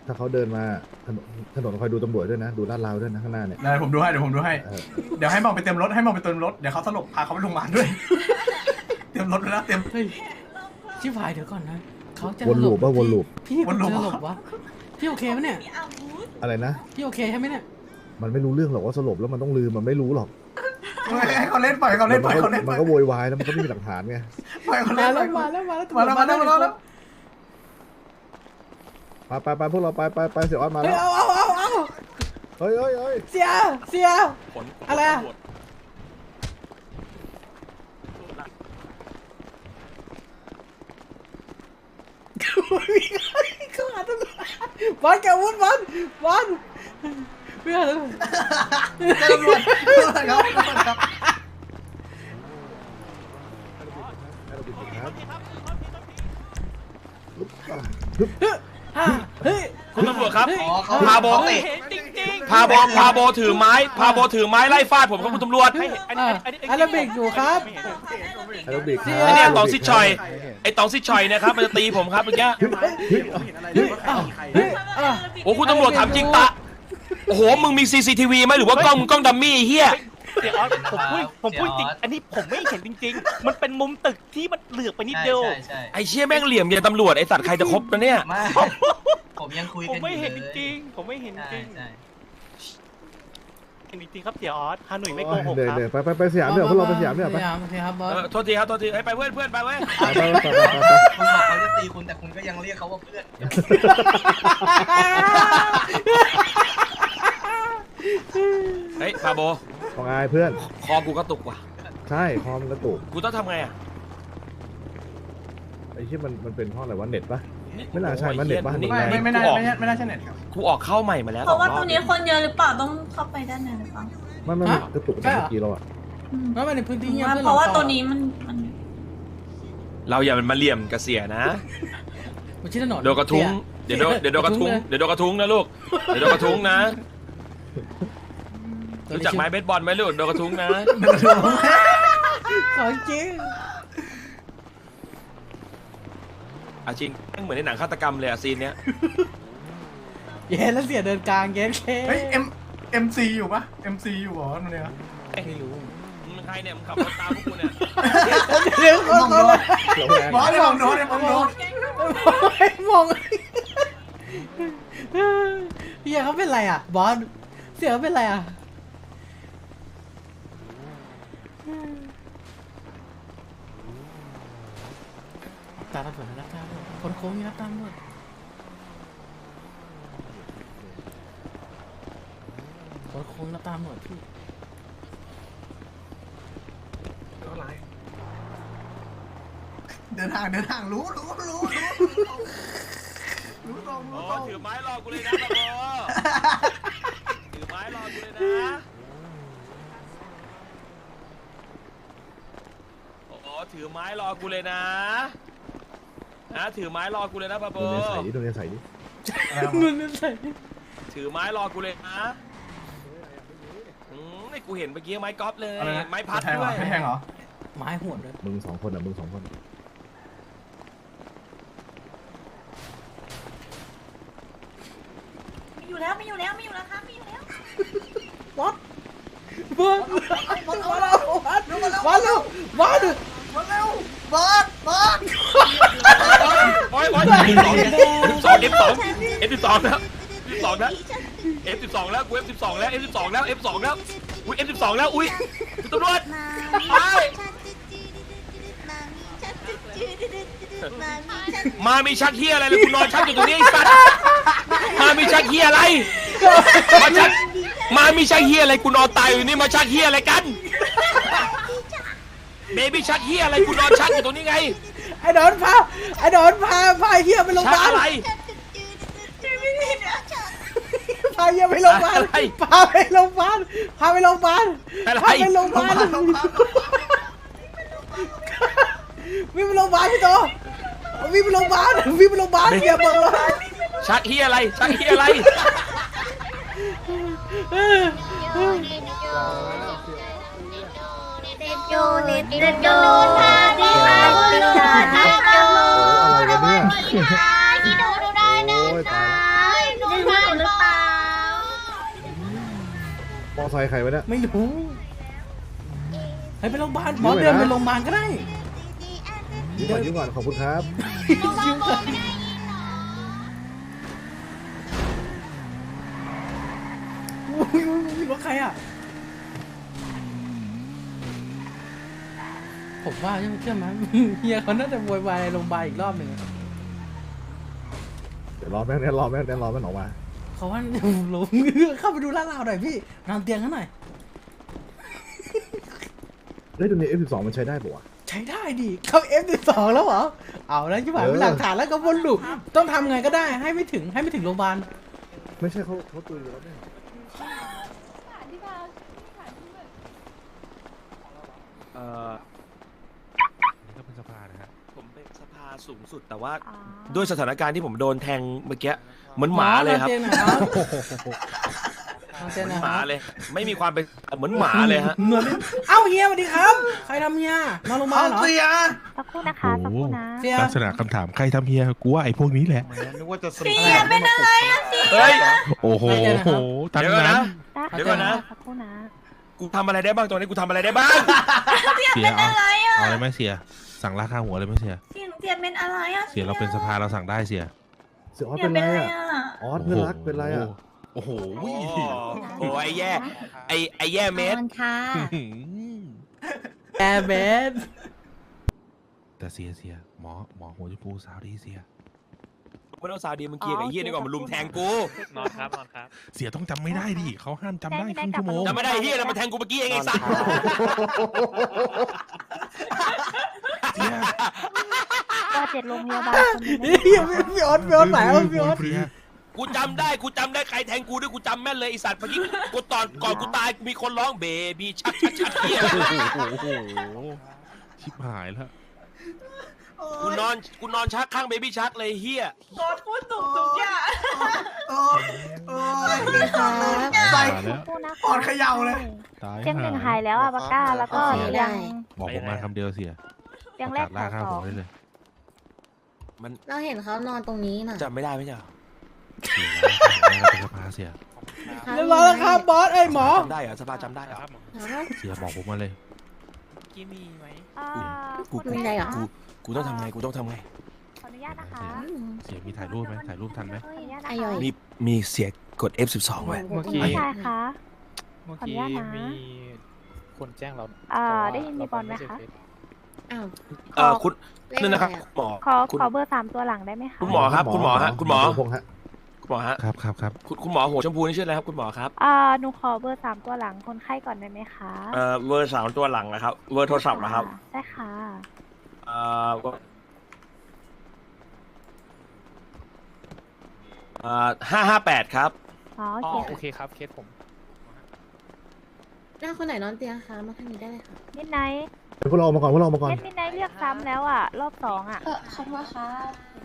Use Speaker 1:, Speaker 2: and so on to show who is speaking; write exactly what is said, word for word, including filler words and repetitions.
Speaker 1: ถ้าเขาเดินมาถนนถนนคอยดูตำรวจด้วยนะดูลาดราวด้วยนะข้างหน้าเนี่ย
Speaker 2: เดี๋ยวผมดูให้เดี๋ยวผมดูให้
Speaker 1: เออ
Speaker 2: เดี๋ยวให้มองไปเต็มรถให้มองไปเต็มรถเดี๋ยวเขาสลบพาเขาไปโรงพยาบาลด้วย เตรียมรถไปแล้วเตรียม
Speaker 3: เฮ้ยชิบหายเดี๋ยวก่อนนะเขาจะ
Speaker 1: วนลูปป่ะวนลูป
Speaker 3: พี่
Speaker 2: วนลูป
Speaker 3: จะสลบวะพี่โอเคไหมเนี่ย
Speaker 1: อะไรนะ
Speaker 3: พี่โอเคใช่ไหมเนี่ย
Speaker 1: มันไม่รู้เรื่องหรอกว่าสลบแล้วมันต้องลืมมันไม่รู้หรอก
Speaker 2: ให้เขาเล่นปล่อยเขาเล่นปล่อย
Speaker 1: มั
Speaker 2: เขา
Speaker 1: น
Speaker 2: เล่น
Speaker 1: ก็มันก็โวยวายแล้วมันก็ไม่มีหลักฐานไง
Speaker 2: ปล่อยเขา
Speaker 3: มา
Speaker 2: เล่น
Speaker 3: แล้วมาแล้วมาแล้ว
Speaker 2: มาแล้วมาแล้วมาแล้วมาแล้ว
Speaker 1: ไปไปไปพวกเราไปไปไปเสียออดมา
Speaker 3: เฮ้
Speaker 1: แล้
Speaker 3: ยว เอาเอาเอาเอา
Speaker 1: เฮ้ยเฮ้ยเฮ้ย
Speaker 3: เสียเสียอะไรอะเขาหาตำรวจบอลแกวุ้นบอลบอลไม่หาตำรวจ
Speaker 2: ตำรวจตำรวจครับ
Speaker 3: ฮ่าเฮ้ย
Speaker 4: คุณตำรวจครับ
Speaker 2: อ๋อเขา
Speaker 4: พาโบ
Speaker 2: ติด
Speaker 4: พาโบพาโบถือไม้พาโบถือไม้ไล่ฟาดผมครับคุณตำรวจ
Speaker 3: อ่าอาราบิกอยู่ครับ
Speaker 1: แอโรบิก
Speaker 3: เสีย
Speaker 4: ไอเนี่ยตองซิชชอยไอตองซิชชอยเนะครับมันจะตีผมครับเมื่อกี้
Speaker 3: เฮ้ยอ่ะเฮ้ยอ่ะ
Speaker 4: โอ้คุณตำรวจถามจริงตะโอ้โหมึงมี ซี ซี ที วีไหมหรือว่ากล้องมึงกล้องดัมมี่ไอ้เฮีย
Speaker 5: เดี๋ยวผมพูดผมพูดจริง อันนี้ผมไม่เห็นจริง ๆ มันเป็นมุมตึกที่มันเหลือบไปนิดเดียว
Speaker 6: ใช่ใช่
Speaker 4: ไอเชี่ยแม่งเหลี่ยมเนี่ยตำรวจไอสัตว์ใครจะครบนะเนี่ย
Speaker 6: ไม่ผมยังคุย
Speaker 5: ผม
Speaker 6: กัน
Speaker 5: ไม่เห็น
Speaker 6: อ
Speaker 5: จ
Speaker 6: ยู่ลย
Speaker 5: ริงๆผมไม่เห็นจ
Speaker 6: ใช่
Speaker 5: ริง
Speaker 6: ใช่
Speaker 5: เห็นจริงๆครับเสียออสฮาหนุ่ยไม่โกหก
Speaker 1: เดี๋ยว
Speaker 5: ครับ
Speaker 1: เดี๋ยวไปไปไปสยามเดี๋ยวพวกเราไปสยามเดี๋ยว
Speaker 3: ส
Speaker 1: ไป
Speaker 3: ยามโอเคครับบอส
Speaker 4: เออโทษทีครับโทษทีให้ไปเพื่อนเพื่อนไปเว้ย
Speaker 1: ไปไปไปไปไป
Speaker 6: คุณบอกเขาจะตีคุณแต่คุณก็ยังเรียกเขาว่าเพื่อน
Speaker 4: เฮ้ยพาโบ
Speaker 1: ของอายเพื่อน
Speaker 4: คอกูกระตุกว่ะ
Speaker 1: ใช่คอมนกระตุก
Speaker 4: กูต้องทำไงอ่ะ
Speaker 1: ไอ้ที่มันมันเป็นเพราะอะไรวะเน็ตปะ ไม่น่าใช่มันเน็ตบ้าน
Speaker 4: นี่
Speaker 2: ไม่ไม่ไม่
Speaker 4: กู
Speaker 2: น่า
Speaker 4: ออก
Speaker 2: ไม่น่าไม่น่าใช่เน็ตครับ
Speaker 4: กูออกเข้าใหม่มาแล้ว
Speaker 7: เพราะว่า
Speaker 4: สอ
Speaker 7: ตรง
Speaker 4: อบ
Speaker 7: นี้คนเยอะหรือเปล่าต้องเข้าไปด้านในหรือเปล่า
Speaker 1: ไม่ไม่ไม่กระตุกตั้งแต่เมื่อกี้เราอะ
Speaker 7: อืม
Speaker 3: แล้วมันในพื้นที่เงียบด้วย
Speaker 7: เพราะว่า
Speaker 3: หอ
Speaker 7: ตัวนี้มันมัน
Speaker 4: เราอย่ามันมาเหลี่ยมกระเสียนะ
Speaker 3: มันชื่อถนน
Speaker 4: เดี๋ยวกระทุ้งเดี๋ยวโดนเดี๋ยวโดนกระทุ้งเดี๋ยวโดนกระทุ้งนะลูกเดี๋ยวโดนกระทุ้งนะรู้จักไม้เบสบอลไหมลูกโดนกระทุ้งนะ
Speaker 3: ของจริง
Speaker 4: อาจริงแม่งเหมือนในหนังฆาตกรรมเลยอะซีนเนี้ย
Speaker 3: เย้แล้วเสียเดินกลางเย้เค
Speaker 2: เฮ้ยเอ็มเอ็มซีอยู่ปะเอ็มซีอยู่เหรอนั่นเนี่ย
Speaker 3: ไม่รู้
Speaker 4: มึงเป็นใครเนี่ยมึงขับรถตามพวกกูเนี่ย
Speaker 3: เดี๋ยวคนคนละ
Speaker 1: เราแรง
Speaker 2: บอสเนี่ยมองโดนเนี่ยมองโดน
Speaker 3: มองเฮียเขาเป็นไรอ่ะบอสเสียเขาเป็นไรอ่ะตาตำรวจรับตามคนโค้งนี่รับตามด้วยคนโค้งรับตามหมดพี่
Speaker 2: เดินทางเดินทางรู้รู้รู้รู้รู้ตรง
Speaker 4: โอ้
Speaker 2: รู้ตรง
Speaker 4: ถือไม้รอกูเลยนะตะโบถือไม้รอกูเลยนะโอ้ถือไม้รอกูเลยนะนะถือไม้รอกูเลยนะปะโบ
Speaker 1: โดนเนี่ยใส่ดิโดนเนี่ยใส่ดิ
Speaker 3: มันไม่ใส่
Speaker 4: ถือไม้รอกูเลยนะอืมไอ้กูเห็นเมื่อกี้ไม้กอล์ฟเลย
Speaker 2: อะไรนะ
Speaker 4: ไม้พัด
Speaker 2: แทงเห
Speaker 4: ด้
Speaker 2: ร
Speaker 4: ว
Speaker 2: อย ไม่แทงเหรอ
Speaker 3: ไม้หวดเลย
Speaker 1: มึงสองคนอ่ะมึงสองคน
Speaker 7: มีอยู่แล้วมีอยู่แล้วมีอยู่แล้วครับมีอยู่แล้ว
Speaker 3: วัดวัดวัดวัดวัดวัดวัด
Speaker 2: มาเร็วบอสบอส
Speaker 4: โอ้ยโอ้ยเอฟสองเอฟสองเอฟสองเอฟสิบสองแล้วเอฟสองแล้วเอฟสิบสองแล้วกูเอฟสิบสองแล้วเอฟสิบสองแล้วเอฟสองแล้วอุ้ยเอฟสิบสองแล้วอุ้ยคุณตำรวจไปมามีชักเฮียอะไรเลยกูนอนชักอยู่ตรงนี้ไอ้สัตว์มามีชักเฮียอะไรมาชักมามีชักเฮียอะไรกูนอนตายอยู่นี่มาชักเฮียอะไรกันเบบี้ชักเฮียอะไรกูนอนชักอยู่ตรงนี้ไง
Speaker 3: ไอ้ดอนพาไอ้ดอนพาพาเฮียไปโรงพ
Speaker 4: ชั
Speaker 3: ยาก บาล
Speaker 4: อะไร
Speaker 3: พาเฮียไปโรงพยาบาล
Speaker 4: อะไร
Speaker 3: พาไปโรงพยาบาลพาไปโรงพยาบาล
Speaker 4: อะไร
Speaker 3: พาไปโรงพยาบาลวิ่งไปโรงพยาบาลพี่โตวิ่งไปโรงพยาบาลวิ่งไปโรงพยาบาลเฮียบอกเลย
Speaker 4: ชักเฮียอะไรชักเฮียอะไร
Speaker 7: โยเนตโยพาดีพาดีพาดีโย
Speaker 1: อะไรวะเนี่ย
Speaker 7: ที่ดูดูได้นะ
Speaker 1: โอ้ยตายไซค์ใครวะเนี่ย
Speaker 3: ไม่รู้ให้ไปโรงพยาบาลบอสเดินไปโรงพยาบาลก็ได้
Speaker 1: ยิ้มก่อนยิ้มก่อนขอบคุณครับ
Speaker 3: ยิ้มก่อนอุ้ยอุ้ยอุ้ยรถใครอ่ะผมว่าใช่ไหมเชื่อไหมเฮียเขาน่าจะโวยวายในโรงพยาบาลอีกรอบหนึ่ง
Speaker 1: เดี๋ยวรอแม่งเนี่ยรอแม่งเนี่ยรอแม่งออกมา
Speaker 3: เขาว่าลงเข้าไปดูลาดราวหน่อยพี่นอนเตียงเขาหน่อย
Speaker 1: เฮ้ยตัวนี้ เอฟ สิบสอง มันใช้ได้ปะวะ
Speaker 3: ใช้ได้ดิเขา เอฟ สิบสอง แล้วเหรอเอาแล้วที่ผ่าน
Speaker 1: เออ
Speaker 3: เป็นหลักฐานแล้วก็วนลูปต้องทำไงก็ได้ให้ไม่ถึงให้ไม่ถึงโรงพยาบาล
Speaker 1: ไม่ใช่เขาเขาตุยแล้วเนี่ย
Speaker 4: เอ่อ
Speaker 8: นี่ก็เป็นสภานะฮะ
Speaker 4: ผมเป็นสภาสูงสุดแต่ว่าด้วยสถานการณ์ที่ผมโดนแทงเมื่อกี้เหมือนหมาเลยครับ
Speaker 3: นอนเตียงหน่อยครับนอนเตียง
Speaker 4: เห
Speaker 3: ห
Speaker 4: มื
Speaker 3: น่
Speaker 4: อ
Speaker 3: อน ย
Speaker 4: หมา
Speaker 3: ครับ
Speaker 4: เลย ไม่มีความเป็นเหมือนหมาเลยฮะ
Speaker 3: เหมือนเอ้าเฮียสวัสดีครับ ใครทำเฮียนอนโรงพยาบา
Speaker 2: เอา
Speaker 3: ลเหรอ
Speaker 2: เสีย
Speaker 7: สักครู่นะคะสักครู่นะ
Speaker 3: เสีย
Speaker 8: ลักษณะคำถามใครทำเฮียกูว่าไอ้พวกนี้แหละ
Speaker 9: นึกว่าจะส
Speaker 7: เสียเป็นอะไรอะเสีย
Speaker 4: เฮ้ย
Speaker 8: โอ้โหทั้ง
Speaker 4: เดี๋ยวก่อน
Speaker 8: นั้
Speaker 4: นะ
Speaker 8: น
Speaker 4: เดี๋ยวก่อนนะ
Speaker 7: สักครู่นะ
Speaker 4: กูทำอะไรได้บ้างตอนนี้กูทำอะไรได้บ้าง
Speaker 8: เสียเอาเอาอะไรไหมเสีย สั่งราคาหัวเลยไหมเสีย
Speaker 7: เสียงเสียเป็นอะไรอะ
Speaker 8: เสียเราเป็นสภาเราสั่งได้เสีย
Speaker 1: เสียออส
Speaker 7: เสีย
Speaker 1: เป็น
Speaker 7: เป็น
Speaker 1: ไร
Speaker 7: อะไร
Speaker 1: อ่ะ
Speaker 7: อะ
Speaker 1: ออสเพื่อนรักเป็นไรอ่ะ
Speaker 8: โอ้โห
Speaker 4: โอ้โหโอ้ไอ้แย่ไอ้ไอ้แย่เมส
Speaker 7: มันค่ะ
Speaker 3: แอร์เบส
Speaker 8: แต่เสียเสียหมอหมอหัวชมพูสาวดีเสีย
Speaker 4: ไม่ต้องซาวดีมึงเคลียร์กับไอ้เหี้ยนี่ก่อนมันลุมแทงกู
Speaker 5: นอนครับนอนครับ
Speaker 8: เสียต้องจำไม่ได้ดิเขาห้ามจำได้ครึ่งชั่วโมง
Speaker 4: จำไม่ได้เหี้ยแล้วมันแทงกูเมื่อกี้เองไอ้สัตว์
Speaker 8: เสีย
Speaker 7: ว่าเจ็ดโรงพยาบาลคนหนึง
Speaker 3: เฮียพี่ออสพี่ออสไหนวะพี่ออส
Speaker 8: เสีย
Speaker 4: กูจำได้กูจำได้ใครแทงกูด้วยกูจำแม่นเลยไอ้สัตว์เมื่อกี้กูตอนก่อนกูตายมีคนร้องเบบี้ชักชักชักเหี้ย
Speaker 8: โอ้โหชิบหายแล้ว
Speaker 4: กูนอนกูนอนชักข้างเบบี้ชักเลยเหี้ย
Speaker 2: โอ้ยโอ้ย
Speaker 7: ค่ะ
Speaker 2: ใส่
Speaker 8: มาแล้ว
Speaker 7: สักครู่นะ
Speaker 2: ปอดเขย่าเลย
Speaker 8: ตาย
Speaker 7: เสียงหนึ่งหายแล้วอะปากก้าแล้วก็ยัง
Speaker 8: บอกผมมาคำเดียวเสีย
Speaker 7: ยังแรก
Speaker 8: ล่า
Speaker 7: แถว
Speaker 8: ข้าว
Speaker 7: ส
Speaker 8: หั
Speaker 7: อ
Speaker 8: ว
Speaker 7: ง
Speaker 8: ได้เลย
Speaker 4: มัน
Speaker 7: เราเห็นเขานอนตรงนี้น่ะ
Speaker 4: จำไม่ได้ไม่ใช่เหรอ
Speaker 8: เสียแล้วเป็นสภาเสีย
Speaker 3: เรียบร้อยแล้วครับบอสเอ้ยหมอ
Speaker 4: จำได้เหรอสภาจำได้เหรอ
Speaker 8: เสียบอกผมมาเลย
Speaker 5: กี้มีไหม
Speaker 7: อ่า
Speaker 4: กู
Speaker 7: คุณมีอะไรเหรอ
Speaker 4: กูกูต้องทำไงกูต้องทำไง
Speaker 7: ขออนุญาตนะคะ
Speaker 8: เสียมีถ่ายรูปไหมถ่ายรูปทันไหม
Speaker 7: ขออนุญาตนะ
Speaker 2: ไอ้ย่อย
Speaker 7: คะ
Speaker 4: มีมีเสียกด เอฟ สิบสอง ไว้
Speaker 5: เมื่อ
Speaker 7: คุณ
Speaker 5: กี้
Speaker 7: ผู้ชายคะ
Speaker 5: เมื่อ
Speaker 7: ขออนุ
Speaker 5: กี้
Speaker 7: ญาตนะ
Speaker 5: มีคนแจ้งเรา
Speaker 7: อ่า
Speaker 5: แต่ว่า
Speaker 7: ได้ยินมีบอลไหมคะ
Speaker 2: อ้าว
Speaker 4: เอ่อคุณนั่นนะครับหมอ
Speaker 7: ขอ
Speaker 4: คุณ
Speaker 7: ขอเบอร์สามตัวหลังได้ไหมคะ
Speaker 4: คุณหมอครับคุณหมอฮะคุณหมอ
Speaker 1: พงษ์ฮะ
Speaker 4: คุณหมอฮะ
Speaker 8: ครับครับครับ
Speaker 4: คุณคุณหมอหัวชมพูนี่ชื่ออะไรครับคุณหมอครับ
Speaker 7: อ่าหนูขอเบอร์สามตัวหลังคนไข้ก่อนได้ไหมคะ
Speaker 4: เอ่อเวอร์สามตัวหลังนะครับเวอร์โทรศัพท์นะครับ
Speaker 7: ใช่ค่ะ
Speaker 4: เอ่อเอ่อห้าห้าแปดครับ
Speaker 7: อ๋อ
Speaker 5: อ๋อ
Speaker 7: โอ
Speaker 5: โอ
Speaker 7: เค
Speaker 5: เคครับเคสผม
Speaker 2: หน้าคนไหนนอนเตียงคะมาทางนี้ได้เลยค่ะ
Speaker 7: มิดไนท์
Speaker 1: เดี๋ยวพวกเราออกมาก่อนพวกเราออกมาก่อน
Speaker 7: เม็ดมิดไนท์เรียกซ้ำแล้วอ่ะ รอบสองอ่ะ
Speaker 2: เออขอบคุณค่ะ